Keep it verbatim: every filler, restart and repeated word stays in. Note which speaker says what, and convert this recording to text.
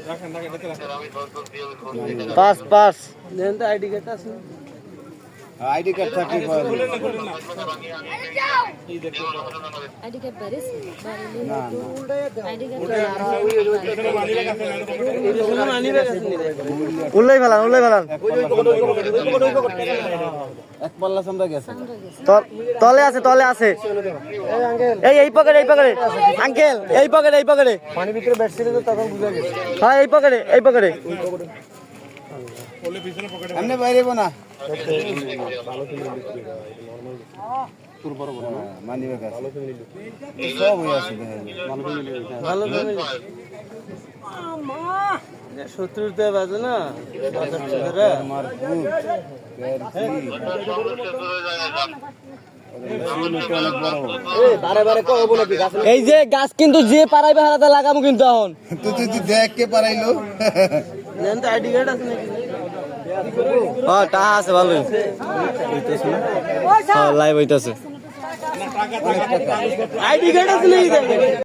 Speaker 1: pass পাস
Speaker 2: দেন তো আইডি কার্ড আছে
Speaker 3: আইডি কার্ড থাকি
Speaker 4: আইডি কার্ড বারিস
Speaker 3: না
Speaker 4: আইডি কার্ড
Speaker 1: উল্লাই ফেলান উল্লাই ফেলান
Speaker 3: এক পাল্লা সামরা গেছে
Speaker 1: তল- তলে আছে তলে আছে এই এই পকেটে এই পকেটে আঙ্কেল এই পকেটে এই পকেটে
Speaker 2: পানি ভিতরে ব্যাটছিল তো তখন বুঝা গেছে
Speaker 1: হ্যাঁ এই পকেটে এই পকেটে
Speaker 3: এমনি বাইরেব না মানি ব্যাগ আছে সব হয়ে আছে
Speaker 2: ভালো ফ্যামিলি শত্রুতে বাজে না বাজার ছেলেরা
Speaker 3: আমার ভূত
Speaker 2: বারে বারে কব নাকি গাছ
Speaker 1: এই যে গাছ কিন্তু যে পারাইবে হারাতে লাগাবো কিন্তু এখন
Speaker 3: তুই তুই তুই দেখ কে পারাইলো
Speaker 2: দেন তো আইডি কার্ড আছে নাকি
Speaker 1: হ্যাঁ টাকা আছে ভালোই হ্যাঁ লাইভ হইতাছে
Speaker 2: আইডি কার্ড আছে নাকি